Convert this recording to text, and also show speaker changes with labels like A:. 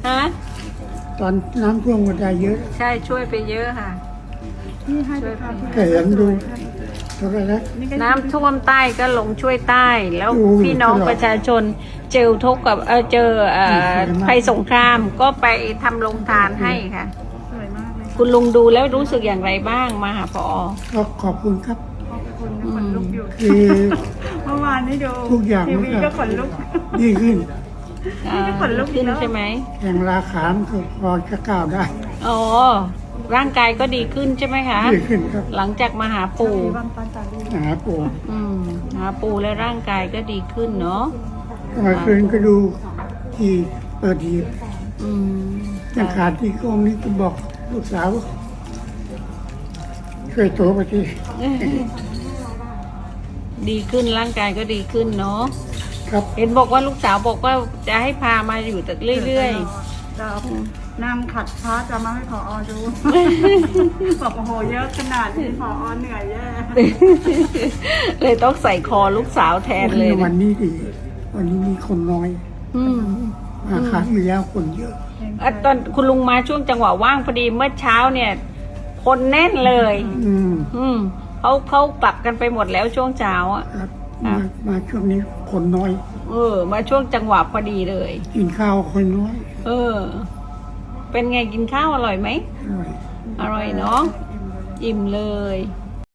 A: ฮะ
B: ตอนน้ำท่วมก็ได้เยอะ
A: ใช่ช่วยไปเยอะค่ะ ช่วยไป
B: แค่เห็นดูโทรทัศน์
A: น้ำท่วมใต้ก็ลงช่วยใต้ แล้ว
B: โอ้ย
A: พี่น้อง
B: ตลอด
A: ประชาชนเจอทุกข์กับเจอภัยสงครามก็ไปทำโรงทานให้ค่ะ
C: สวยมากเลย
A: คุณลุงดูแล้วรู้สึกอย่างไรบ้างมาหาพอ
B: ก็ขอบคุณครับ
C: ขอบคุณนะขนลุกอยู่
B: คือ
C: เมื่อวานนี้ดู
B: ทุกอย่าง
C: ที
B: มัน
C: วีก็ขนลุก
B: ดีขึ้น
C: ก็ขนลุก
A: ขึ้น
C: แล้ว
A: ใช่ไหม
B: แข่งราขามก็พอจะก้าวได้
A: อ๋อร่างกายก็ดีขึ้นใช่ไหมคะ
B: ดีขึ้นครับ
A: หลังจากมาหาปู่
C: มีวันปันตาลี
B: หาปู่
A: หาปู่แล้วร่างกายก็ดีขึ้นเนาะ
B: เมื่อคืนก็ดูที่เปิดที
A: อืม
B: ยังขาดที่กองนี้ก็บอกลูกสาวว่าช่วยโตไปที
A: ดีขึ้นร่างกายก็ดีขึ้นเนาะ
B: ครับ
A: เห็นบอกว่าลูกสาวบอกว่าจะให้พามาอยู่แต่เรื่อย
C: จะเอานั่งขัดพระจะมาให้ผอดู บอกโอ้โหเยอะขนาดนี้ผอเหนื่อยแย่
A: ๆ เลยต้องใส่คอลูกสาวแทนเลย
B: วันนี้ดี วันนี้มีคนน้อย
A: อืม
B: มาครั้งที่แล้วคนเยอะ
A: ตอนคุณลุงมาช่วงจังหวะว่างพอดีเมื่อเช้าเนี่ย คนแน่นเลย
B: อืม
A: เขากลับกันไปหมดแล้วช่วงเช้าอ่ะ
B: ครับ
A: ครับ
B: มาช่วงนี้คนน้อย
A: มาช่วงจังหวะพอดีเลย
B: กินข้าวคนน้อย
A: เป็นไงกินข้าวอร่อยไหม
B: อร่อย
A: อร่อยเนาะอิ่มเลย
C: เ